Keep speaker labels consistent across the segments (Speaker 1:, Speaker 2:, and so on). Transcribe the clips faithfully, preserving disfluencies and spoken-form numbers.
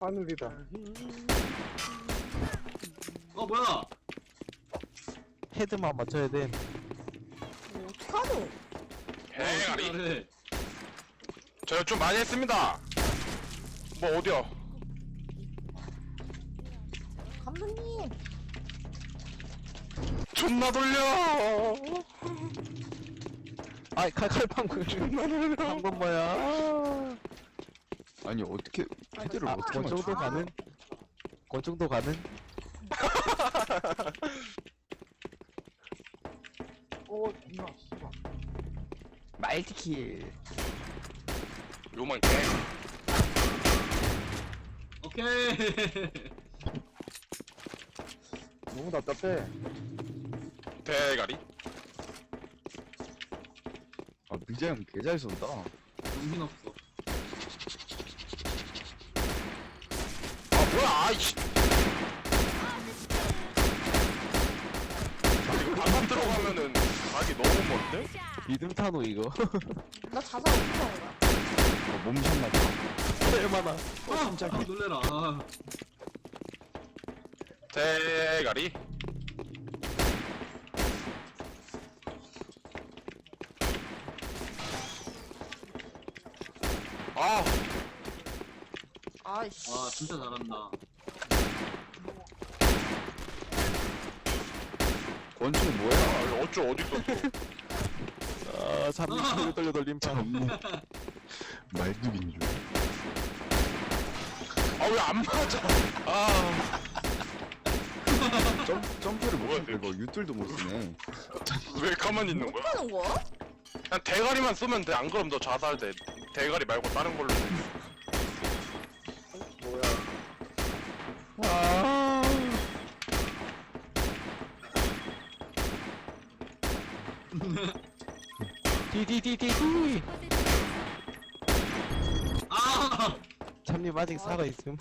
Speaker 1: 하늘이다.
Speaker 2: 어 뭐야?
Speaker 3: 헤드만 맞춰야 돼.
Speaker 4: 뭐 어떡하노?
Speaker 5: 대가리.
Speaker 2: 그래.
Speaker 5: 저요 좀 많이 했습니다. 뭐 어디야?
Speaker 4: 감독님.
Speaker 5: 존나 돌려.
Speaker 3: 아이 칼칼방 한건 뭐야?
Speaker 6: 아니 어떻게 헤드를
Speaker 3: 아,
Speaker 6: 어떻게
Speaker 3: 그 정도
Speaker 6: 맞춰?
Speaker 3: 가는? 그 정도 가는?
Speaker 1: 오, 존나, 씨발.
Speaker 3: 말티킬.
Speaker 5: 요만 개.
Speaker 2: 오케이.
Speaker 1: 너무 답답해.
Speaker 5: 대가리.
Speaker 6: 아 미자 형 개 잘 쏜다.
Speaker 2: 정신 없어.
Speaker 5: 아 뭐야? 아이씨. 이거 반만 들어가면은 각이 너무 먼데?
Speaker 3: 믿음 타노 이거.
Speaker 4: 나 자살 어떻게 하는 거야?
Speaker 6: 어, 몸샷 맞다.
Speaker 3: 얼마나?
Speaker 2: 아, 아 놀래라. 아.
Speaker 5: 대가리. 아,
Speaker 4: 아이씨.
Speaker 2: 와 진짜 잘한다.
Speaker 6: 권총 뭐야?
Speaker 5: 아 어쭈 어디 있었어?
Speaker 3: 아 삼 돌려 돌림판.
Speaker 6: 없네. 말뚝인 줄.
Speaker 5: 아 왜 안 맞아? 아,
Speaker 6: 점 점프를
Speaker 5: 뭐야,
Speaker 6: 못해. 이거 유툴도 못 쓰네.
Speaker 5: 왜 가만히 있는 거야?
Speaker 4: 하는 거야?
Speaker 5: 그냥 대가리만 쓰면 돼. 안 그럼 너 자살돼. 대가리 말고 다른 걸로.
Speaker 1: 뭐야.
Speaker 3: 아. 디디디디디.
Speaker 2: 아.
Speaker 3: 참님 아직 살아 있음.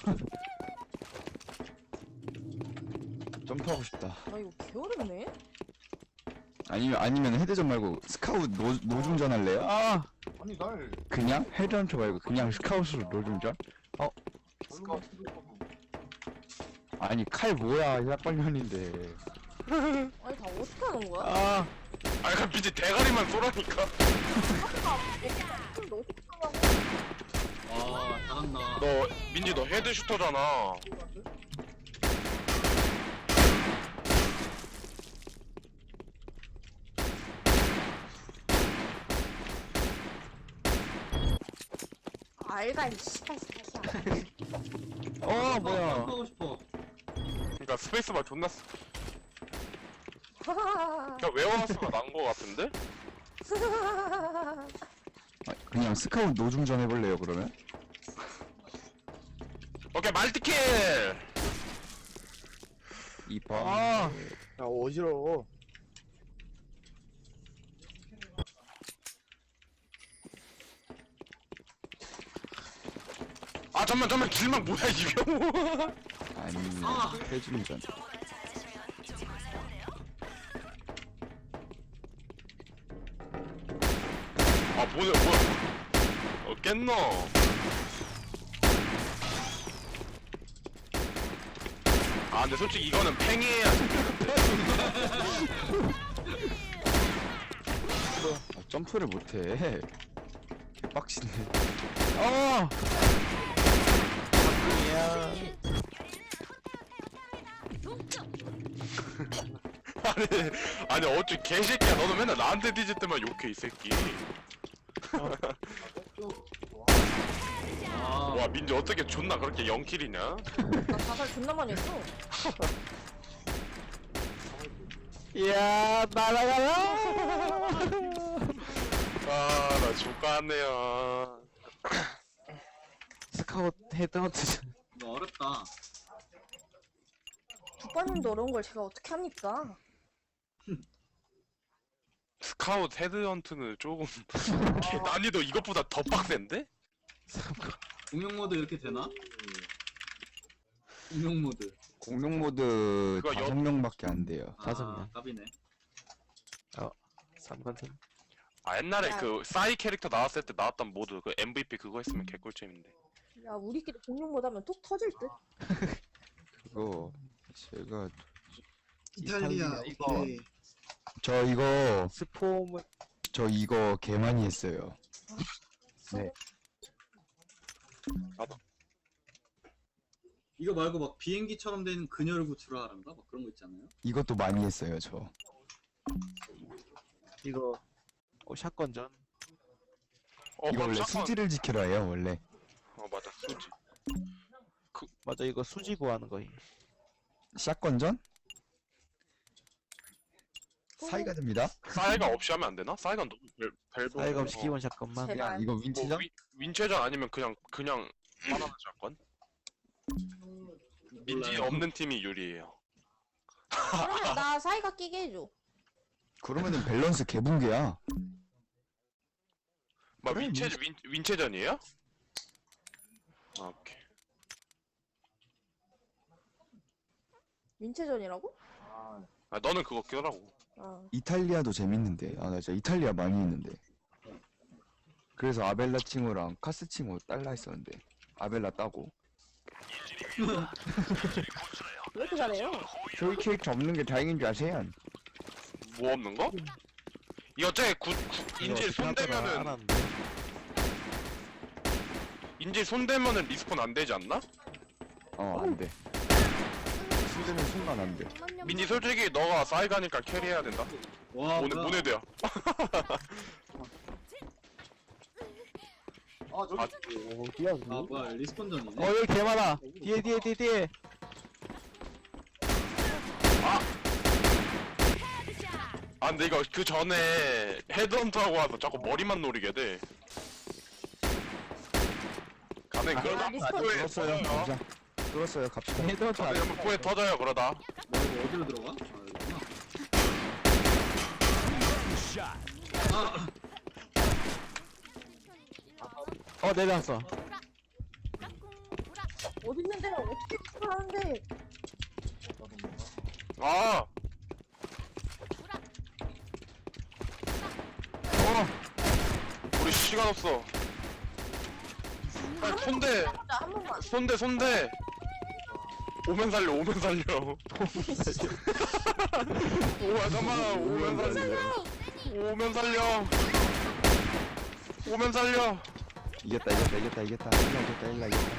Speaker 6: 점프하고 싶다.
Speaker 4: 아 이거 개어렵네?
Speaker 6: 아니면 아니면 헤드전 말고 스카웃 노 노중전 할래요?
Speaker 3: 아.
Speaker 1: 아니, 날,
Speaker 6: 그냥 헤드헌터 말고 그냥 스카웃으로 노중전?
Speaker 1: 스카우트 고
Speaker 6: 아니 칼 뭐야 약발년인데.
Speaker 4: 아니 다 어떻게 하는 거야?
Speaker 3: 아.
Speaker 5: 아, 그럼 민지 대가리만 쏘라니까.
Speaker 4: 그럼 너 어떻게 하냐고?
Speaker 2: 와 잘한다.
Speaker 5: 너 민지 너 헤드 슈터잖아.
Speaker 4: 알가 이 씨발 새끼야.
Speaker 3: 어 뭐야?
Speaker 2: 하고 싶어.
Speaker 5: 그러니까 스페이스바 존나 쓰.
Speaker 4: 하하하하.
Speaker 5: 그냥 웨어하우스가 난 거 같은데?
Speaker 6: 아, 그냥 스카웃 노중전 해볼래요 그러면?
Speaker 5: 오케이 말티킬.
Speaker 6: 이 번.
Speaker 3: 아.
Speaker 1: 야, 어지러워.
Speaker 5: 아 잠만 잠만 길막 뭐야 이병호.
Speaker 6: 아니면
Speaker 2: 아.
Speaker 6: 해중전.
Speaker 5: 아 뭐야 뭐야. 어 깼노. 아 근데 솔직히 이거는 팽이해야 돼.
Speaker 6: 아, 점프를 못해. 빡치네.
Speaker 3: 어. 야.
Speaker 5: 아니 아니 어째 개새끼야. 너는 맨날 나한테 뒤질 때만 욕해 이 새끼.
Speaker 2: 아.
Speaker 5: 와 민지 어떻게 존나 그렇게 영킬이냐?
Speaker 4: 나 자살 존나 많이 했어.
Speaker 3: 야 날아가라.
Speaker 5: 아나 족같네요.
Speaker 3: 스카웃 헤드헌트.
Speaker 2: 이거 어렵다.
Speaker 4: 국밥님도 어려운 걸 제가 어떻게 합니까?
Speaker 5: 스카웃 헤드헌트는 조금 난이도 이것보다 더 빡센데?
Speaker 2: 공룡 모드 이렇게 되나? 공룡 모드.
Speaker 6: 공룡 모드
Speaker 5: 그거 여-
Speaker 6: 다섯 명밖에 안 돼요.
Speaker 3: 다섯
Speaker 2: 아,
Speaker 3: 명.
Speaker 2: 갑이네.
Speaker 3: 삼관팀.
Speaker 5: 아 옛날에
Speaker 4: 야.
Speaker 5: 그 싸이 캐릭터 나왔을 때 나왔던 모드 그 엠브이피 그거 했으면 개꿀잼인데.
Speaker 4: 야 우리끼리 공룡 못하면 톡 터질 듯.
Speaker 6: 그거 제가
Speaker 2: 이탈리아
Speaker 3: 이거.
Speaker 2: 오케이.
Speaker 6: 저 이거
Speaker 3: 스폼을
Speaker 6: 저 이거 개 많이 했어요. 네.
Speaker 2: 이거 말고 막 비행기처럼 된 그녀를 구출하란가? 막 그런 거 있잖아요.
Speaker 6: 이것도 많이 했어요 저.
Speaker 3: 이거 어, 샷건전.
Speaker 5: 어
Speaker 6: 이거
Speaker 5: 그럼
Speaker 6: 원래
Speaker 5: 샷건.
Speaker 6: 수지를 지키라 해요 원래.
Speaker 5: 어 맞아 수지.
Speaker 3: 맞아 이거 수지 구하는 거임.
Speaker 6: 샷건전? 사이가 됩니다.
Speaker 5: 사이가 없이 하면 안 되나? 사이가 너무 벨 벨브.
Speaker 3: 사이가 없이 기본 샷건만.
Speaker 4: 제발.
Speaker 6: 야 이거
Speaker 5: 뭐
Speaker 6: 윈치전?
Speaker 5: 윈, 윈체전 아니면 그냥 그냥 바나나 샷건? 민지
Speaker 2: 몰라요.
Speaker 5: 없는 팀이 유리해요.
Speaker 4: 그러면 나 사이가 끼게 해줘.
Speaker 6: 그러면은 밸런스 개붕괴야.
Speaker 5: 막
Speaker 6: 그래,
Speaker 5: 윈체 윈 윈체전이에요? 아 오케이.
Speaker 4: 민체전이라고?
Speaker 5: 아 너는 그거 껴라고.
Speaker 4: 아
Speaker 6: 이탈리아도 재밌는데. 아 나 진짜 이탈리아 많이 했는데. 그래서 아벨라 칭호랑 카스 칭호 딸라 했었는데 아벨라 따고.
Speaker 4: 왜 이렇게 잘해요?
Speaker 6: 저희 캐릭터 없는 게 다행인 줄 아세요?
Speaker 5: 뭐 없는 거? 이 어째 구, 구 인질 손대면은
Speaker 3: 알았는데.
Speaker 5: 인질 손대면은 리스폰 안 되지 않나?
Speaker 6: 어 안 돼. 순대는 순간 안 돼.
Speaker 5: 민지 솔직히 너가 싸이 가니까 캐리해야 된다.
Speaker 2: 와
Speaker 5: 오늘
Speaker 2: 뭐야.
Speaker 5: 문해대야.
Speaker 1: 아 저기
Speaker 5: 아,
Speaker 1: 오 뛰어
Speaker 2: 아 뭐야 리스폰전이네.
Speaker 3: 어 여기 개 많아. 뒤에 뒤에 뒤에 뒤에.
Speaker 5: 아 근데 이거 그 전에 헤드헌터하고 와서 자꾸 머리만 노리게 돼. 가면
Speaker 4: 아,
Speaker 5: 그러다
Speaker 4: 리스폰
Speaker 5: 포에
Speaker 6: 들었어요.
Speaker 5: 터져요.
Speaker 6: 가자. 들었어요. 갑시다.
Speaker 3: 헤드헌터 안
Speaker 5: 가면 포에 터져요 그러다.
Speaker 2: 뭐 이거 어디로 들어가? 아 여기구나. 아
Speaker 3: 어 내려왔어.
Speaker 4: 어디 있는데 어떻게 구출하는데?
Speaker 5: 아. 어. 우리 시간 없어. 빨리 손대.
Speaker 4: 자, 한 번만.
Speaker 5: 손대 손대. 오면 살려 오면 살려. 오 잠깐만 오면 살려. 오면 살려. 오면 살려.
Speaker 6: 이겼다 이겼다 이겼다 이겼다. 일라 이겼다 일라 이겼다.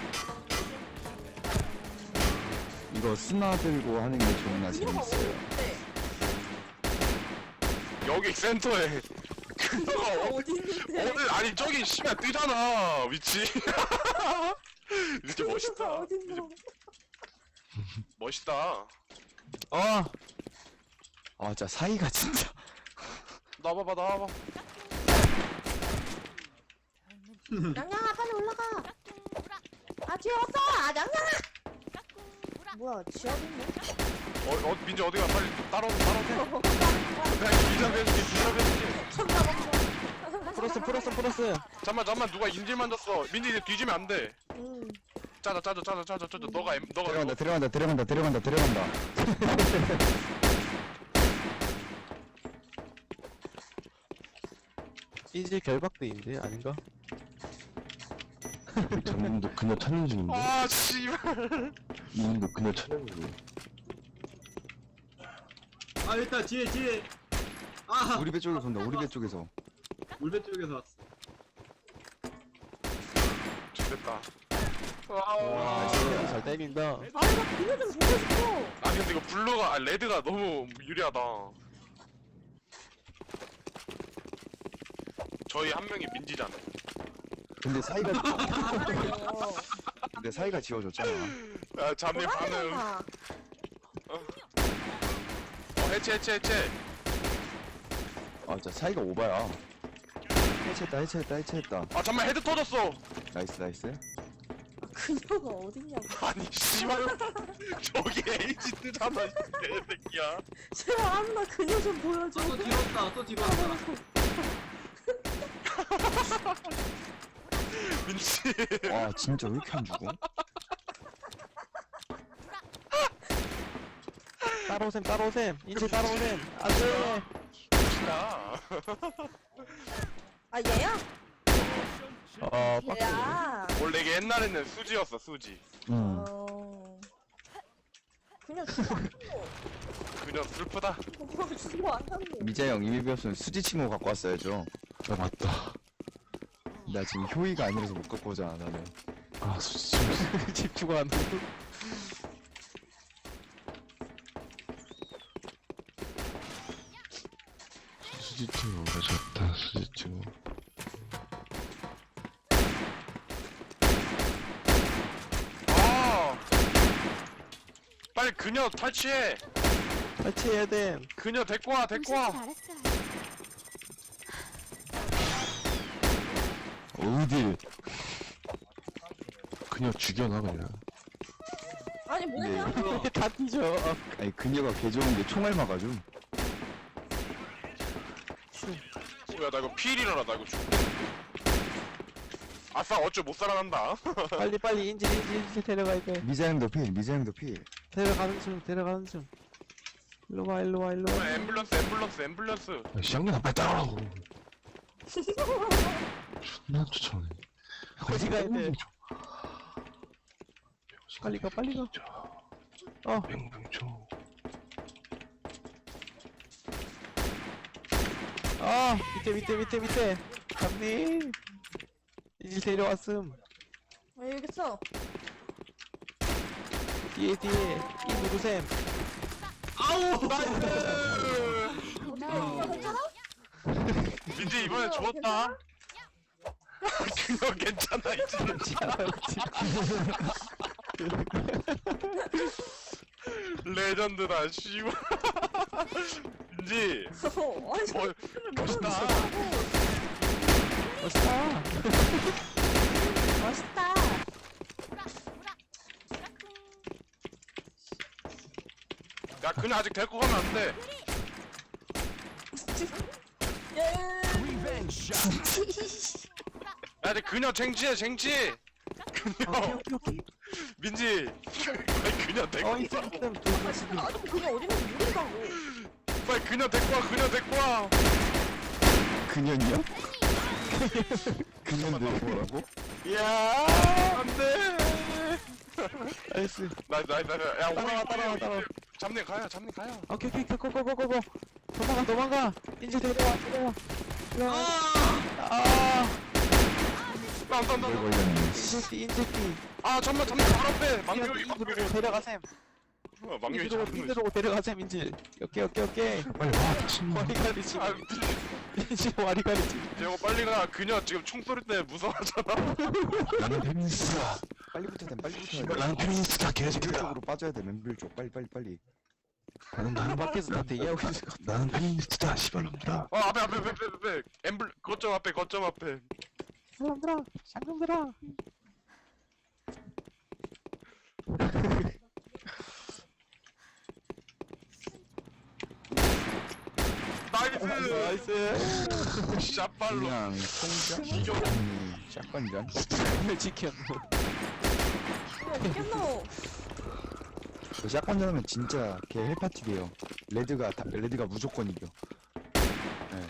Speaker 6: 이거 스나 들고 하는 게 존나
Speaker 4: 그녀가
Speaker 6: 재밌어요.
Speaker 4: 어디
Speaker 5: 여기 센터에. 그녀가 어-
Speaker 4: 어디 있는데?
Speaker 5: 오늘 아니 저기 씨발 뜨잖아 위치. 이렇게 멋있다.
Speaker 4: 어디 있노?
Speaker 5: 멋있다.
Speaker 3: 어.
Speaker 6: 아 진짜 사이가 진짜.
Speaker 5: 나와봐 나와봐.
Speaker 4: 양양아 빨리 올라가. 아 뒤에 왔어. 아 양양아. 뭐야 지하도 있네?
Speaker 5: 어, 어 민지 어디가 빨리 따라오 따라오. 내가 기잡해줄게 기잡해줄게.
Speaker 4: 천나 먹어.
Speaker 3: 프로스 프로스 프로스.
Speaker 5: 잠만 잠만 누가 인질 만졌어. 민지 이제 뒤지면 안 돼.
Speaker 4: 음.
Speaker 5: 짜자 짜자 짜자 짜자 짜자. 너가 엠- 너가
Speaker 6: 들어간다 들어간다 들어간다 들어간다 들어간다.
Speaker 3: 이제 결박대인데 아닌가?
Speaker 6: 전문도 그녀 찾는 중인데.
Speaker 5: 아 씨발.
Speaker 6: 이분도 그녀 찾는 중.
Speaker 2: 아 일단 뒤에 뒤에. 아
Speaker 6: 우리 배 쪽에서 온다. 우리 배 쪽에서.
Speaker 2: 물배 쪽에서 왔어.
Speaker 5: 됐다.
Speaker 3: 와
Speaker 5: 아,
Speaker 3: 진짜 잘 때린다.
Speaker 4: 아나 그녀 좀 보고 싶어.
Speaker 5: 아 근데 이거 블루가 아 레드가 너무 유리하다. 저희 한 명이 민지잖아.
Speaker 6: 근데 사이가
Speaker 4: 어.
Speaker 6: 근데 사이가 지워졌잖아.
Speaker 5: 아 잠이 반응.
Speaker 4: 돌아가잖아.
Speaker 5: 어 해체 해체 해체.
Speaker 6: 아 진짜 사이가 오바야. 해체했다 해체했다 해체했다.
Speaker 5: 아 잠만 헤드 터졌어.
Speaker 6: 나이스 나이스.
Speaker 4: 그녀가 어딨냐고.
Speaker 5: 아니 씨발 저기 에이지 뜨잖아 이 개새끼야.
Speaker 4: 제발 아무나 그녀 좀 보여줘.
Speaker 2: 또 뒤로 왔다. 또 뒤로 왔다.
Speaker 5: 민지.
Speaker 6: 와 진짜 왜 이렇게 안 죽어?
Speaker 3: 따라오셈 따라오셈. 인체 따라오셈. 안돼.
Speaker 5: 야.
Speaker 4: 아 얘야?
Speaker 3: 어 빡세.
Speaker 4: 야.
Speaker 5: 원래 이게 옛날에는 수지였어 수지.
Speaker 6: 음.
Speaker 4: 어. 그냥 죽어.
Speaker 5: 그녀 슬프다.
Speaker 4: 죽어 안 하는.
Speaker 6: 미자 형 이미 배웠으면 수지 친구 갖고 왔어야죠.
Speaker 7: 아 맞다.
Speaker 6: 나 지금 효의가 아니라서 못 갖고 오잖아 나는.
Speaker 7: 아 수지 친구.
Speaker 3: 집중 안 하고.
Speaker 7: 수지 친구가 좋다. 수지 친구.
Speaker 5: 아 빨리 그녀 탈취해.
Speaker 3: 탈취해야 돼.
Speaker 5: 그녀 데리고 와 데리고 와.
Speaker 7: 어딜? 그냥 죽여놔 그냥.
Speaker 4: 아니 뭐냐?
Speaker 6: 근데
Speaker 3: 다 뒤져.
Speaker 6: 아니 그녀가 개 좋은 게 총알 막아줌.
Speaker 5: 뭐야 나 이거 피일이라나 나 이거 죽. 아싸 어쭈 못 살아난다.
Speaker 3: 빨리 빨리 인질 인질 인질 데려가야 돼.
Speaker 6: 미자 형도 필, 미자 형도 필.
Speaker 3: 데려가는 중 데려가는 중. 일로 와 일로 와 일로 와.
Speaker 5: 앰뷸런스 앰뷸런스 앰뷸런스.
Speaker 7: 야, 시장님 빨리 따라오라고. 존나 쫓아오네.
Speaker 3: 어디 가야 돼? 빨리 가 빨리 가. 어.
Speaker 7: 맹붕초.
Speaker 3: 아 밑에 밑에 밑에 밑에. 감님. 인질 데려왔음.
Speaker 4: 왜 여기 있어?
Speaker 3: 뒤에 뒤에 이 누구셈.
Speaker 2: 아우!
Speaker 5: 민지 이번에 죽었다. 그녀 괜찮아 이제. 레전드다 씨발. 민지
Speaker 4: 어, 아니
Speaker 5: 어, 멋있다.
Speaker 3: 멋있다.
Speaker 4: 멋있다.
Speaker 5: 야 그녀 아직 데리고 가면 안 돼.
Speaker 4: 예.
Speaker 5: 야 이제 그녀 쟁취해 쟁취. 그녀
Speaker 3: 오케이 오케이 오케이.
Speaker 5: 민지 빨리 그녀 데리고
Speaker 3: 어
Speaker 5: 와.
Speaker 3: 있음 있음.
Speaker 4: 아니 그냥 어디 가서 모른다고.
Speaker 5: 빨리 그녀 데리고 와 그녀 데리고 와.
Speaker 6: 그년이요? 그년도 뭐라고?
Speaker 5: 야 안돼.
Speaker 3: 나이스.
Speaker 5: 나이스 나이스 나이스. 야
Speaker 3: 따라와,
Speaker 5: 우리
Speaker 3: 따라와, 따라와.
Speaker 5: 잡내 가요 잡내 가요.
Speaker 3: 오케이 오케이 고고고고고. 도망가 도망가. 인질 데려와 데려와. 데려와. 아.
Speaker 5: 난 난
Speaker 6: 뭘
Speaker 5: 난.
Speaker 6: 걸렸니?
Speaker 3: 인질띠 인질띠.
Speaker 5: 아 잠만 잠만 바로 앞에 망교
Speaker 3: 인질 인질로 데려가셈.
Speaker 5: 어, 망교
Speaker 3: 인질로
Speaker 5: 잡는 거.
Speaker 3: 인질로 데려가셈 인질. 오케이 오케이 오케이.
Speaker 7: 빨리 와 미친놈.
Speaker 3: 와리가리 지.
Speaker 5: 아
Speaker 3: 인질 와리가리 지.
Speaker 5: 재호 빨리 가. 그녀 지금 총소리 때문에 무서워하잖아.
Speaker 7: 나는 페미니스트다.
Speaker 6: 빨리 붙어야 돼, 빨리 붙어야
Speaker 7: 씨발,
Speaker 6: 돼.
Speaker 7: 나는 페미니스트다
Speaker 6: 맨빌
Speaker 7: 개새끼야.
Speaker 6: 쪽으로 빠져야 돼, 맨빌 쪽. 빨리 빨리 빨리.
Speaker 7: 나는
Speaker 3: 문
Speaker 7: 나는
Speaker 3: 밖에서 다 대기하고 있을 것 같아.
Speaker 7: 나는 페미니스트다 씨발놈들아.
Speaker 5: 어 앞에 앞에 앞에 앞에 앞에 엠블 거점 앞에 거점 앞에.
Speaker 3: 사람들아 쌍놈들아.
Speaker 5: 나이스.
Speaker 3: 나이스.
Speaker 5: 샷발로.
Speaker 6: 그냥 통장?
Speaker 5: 이겨.
Speaker 6: 아니, 샷건이란?
Speaker 3: 오늘 지켰노.
Speaker 4: 어딨겠노?
Speaker 6: 그 샷건 전하면 진짜 걔 헬파티 돼요. 레드가 다, 레드가 무조건 이겨. 네.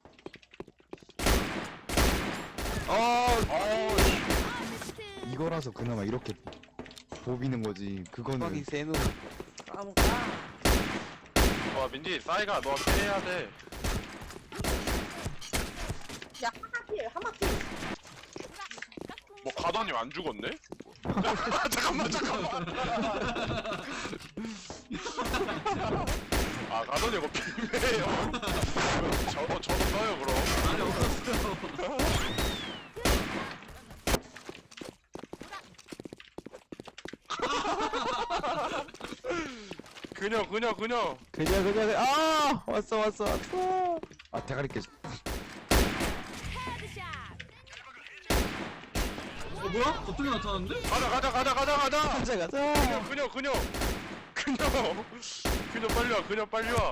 Speaker 5: 어.
Speaker 6: 이거라서 그나마 이렇게 보비는 거지. 그거는
Speaker 3: 빡이 세누.
Speaker 4: 아무가.
Speaker 5: 와 민지 싸이가 너 캐리해야 돼.
Speaker 4: 야 하마필 하마필.
Speaker 5: 뭐 가더니 안 죽었네? 잠깐만 잠깐만. 아 가더니 이거 비매예요. 저도 저도 써요 그럼.
Speaker 2: 아니 없었어요.
Speaker 5: 그녀 그녀 그녀.
Speaker 3: 그냥 그냥 그냥. 아 왔어 왔어 왔어.
Speaker 6: 아 대가리 깨.
Speaker 2: 어 뭐야? 갑자기 나타났는데?
Speaker 5: 가자 가자 가자 가자 가자.
Speaker 3: 가자 가자.
Speaker 5: 그녀 그녀 그녀 그녀 빨리 와 그녀 빨리 와.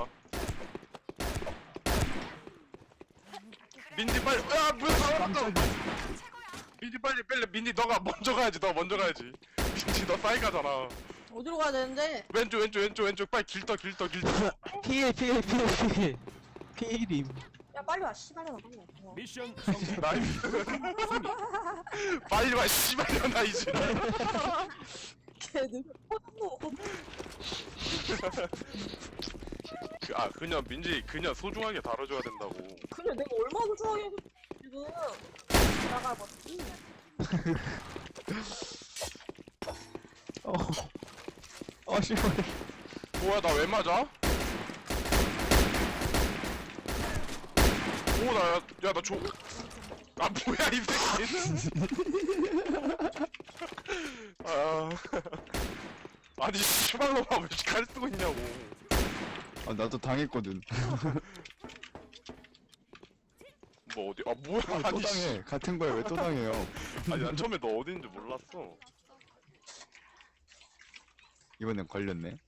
Speaker 5: 민지 빨리. 야 뭐야 나왔다. 민지 빨리 빨리 민지 너가 먼저 가야지 너 먼저 가야지. 민지 너 싸이 가잖아.
Speaker 4: 어디로 가야 되는데?
Speaker 5: 왼쪽 왼쪽 왼쪽 왼쪽 빨리 길떠 길떠 길떠.
Speaker 3: 피해 피해 피해 피해. 피해림.
Speaker 4: 야 빨리 와 씨발년아 빨리 와. 어.
Speaker 8: 미션 성공.
Speaker 5: 나이스. 빨리 와 씨발년아 이제.
Speaker 4: 걔들 포도
Speaker 5: 그, 아 그냥 민지 그냥 소중하게 다뤄줘야 된다고.
Speaker 4: 그래 내가 얼마나 좋아해 지금 나가봤지.
Speaker 3: 어. 어, 씨발.
Speaker 5: 뭐야 나 왜 맞아? 오나야나 조. 아 뭐야 이 새끼는? 아 아니 씨발로만 왜 이렇게 칼 쓰고 있냐고.
Speaker 6: 아 나도 당했거든.
Speaker 5: 뭐 어디 아 뭐야
Speaker 6: 또
Speaker 5: 아니 씨.
Speaker 6: 당해. 같은 거야 왜 또 당해요?
Speaker 5: 아니 난 처음에 너 어딘지 몰랐어.
Speaker 6: 이번엔 걸렸네.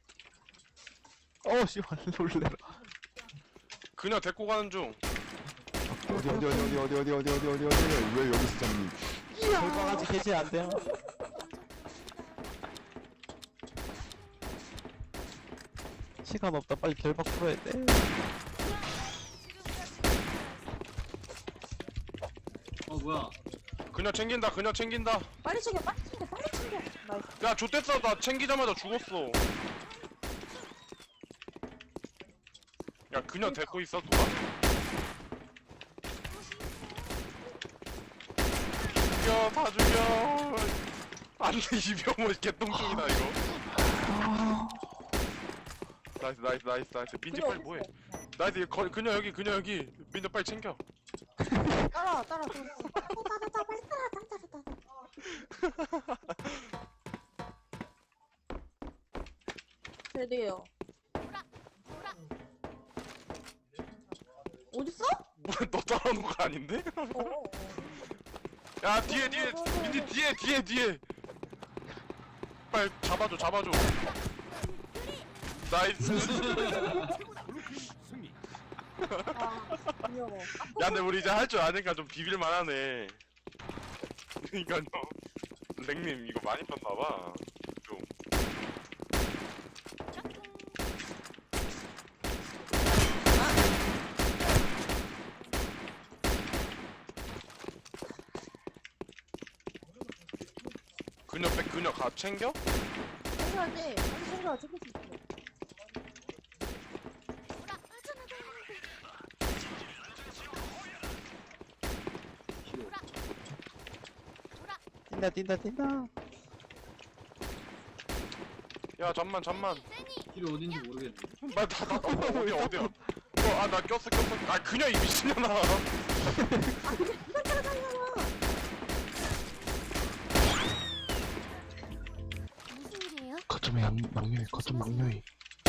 Speaker 3: 어, 씨발, 놀래라.
Speaker 5: 그냥 데리고 가는 중.
Speaker 6: 어디 어디 어디 어디 어디 어디 어디 어디 어디 어디 왜 여기서 잡니?
Speaker 3: 결과까지 개지 안 돼요. 시간 없다. 빨리 결박 풀어야 돼.
Speaker 2: 어 뭐야?
Speaker 5: 그냥 챙긴다 그냥 챙긴다.
Speaker 4: 빨리 챙겨 빨리 챙겨 빨리 챙겨. 나이스.
Speaker 5: 야 좆됐어 나 챙기자마자 죽었어. 야 그냥 데리고 있어 누가? 죽여 다 죽여. 안돼 이병호 개똥충이다 이거. 나이스 나이스 나이스 나이스 민지
Speaker 4: 그래,
Speaker 5: 빨리 뭐해? 나이스 이거 거, 그냥 여기 그냥 여기 민지 빨리 챙겨.
Speaker 4: 따라 따라 따라. 따라 따라 빨리 따라 따라 따라 따라. 드디어. 어딨어?
Speaker 5: 뭐너 따라오는 거 아닌데?
Speaker 4: 어.
Speaker 5: 야 뒤에 뒤에 민지 뒤에 뒤에 뒤에. 빨리 잡아줘 잡아줘. 나이스.
Speaker 8: 승리.
Speaker 4: 아 귀여워.
Speaker 5: 야 근데 우리 이제 할 줄 아니까 좀 비빌만하네. 그니까요. 랭님 이거 많이 떴나봐. 좀. 그녀 백 그녀 가 챙겨?
Speaker 4: 챙겨야지. 빨리 챙겨. 챙길 수 있어.
Speaker 3: 뛴다, 뛴다, 뛴다.
Speaker 5: 야 잠만 잠만.
Speaker 2: 길이 어딘지 모르겠네.
Speaker 5: 나나 나, 어디야 어디야. 어아 나 꼈어 꼈어. 아 그녀 이 미친년아.
Speaker 4: 이걸 따라다니잖아.
Speaker 9: 무슨 일이에요?
Speaker 7: 거점 양 막요이 거점 막요이.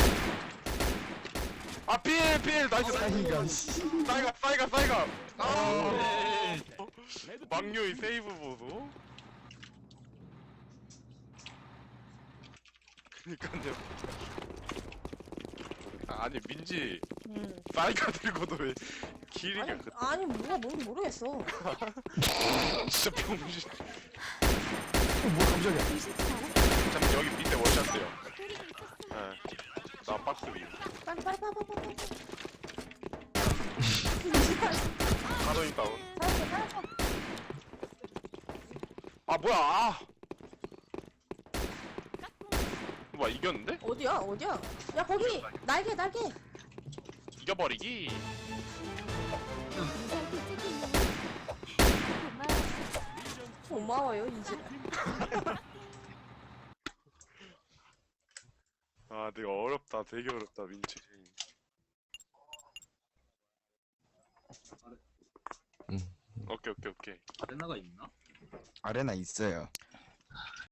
Speaker 5: 아필필 나이스 나이스. 싸이가 싸이가 싸이가. 아.
Speaker 2: 네.
Speaker 5: 막요이 세이브 보소. 그니까요. 아, 아니 민지
Speaker 4: 응.
Speaker 5: 싸이가 들고도 왜 길이가
Speaker 4: 아니
Speaker 5: 그
Speaker 4: 아니 뭐가 뭔지 모르겠어.
Speaker 5: 진짜 병신.
Speaker 7: 뭐 깜짝이야.
Speaker 9: 조심치 않았어요.
Speaker 5: 잠깐 여기 밑에 워샷돼요. 예. 나 박스 위.
Speaker 4: 빨리 빨리 빨리 빨리 빨리.
Speaker 5: 가더니 다운.
Speaker 4: 잘했어 잘했어.
Speaker 5: 아 뭐야? 아. 뭐야 이겼는데?
Speaker 4: 어디야 어디야? 야 거기 날개 날개.
Speaker 5: 이겨버리기.
Speaker 9: 무사히 찍히니. 고마워요.
Speaker 4: 고마워요 이제.
Speaker 5: 아 되게 어렵다. 되게 어렵다 민지.
Speaker 7: 응.
Speaker 5: 오케이 오케이 오케이.
Speaker 2: 아레나가 있나?
Speaker 6: 아레나 있어요.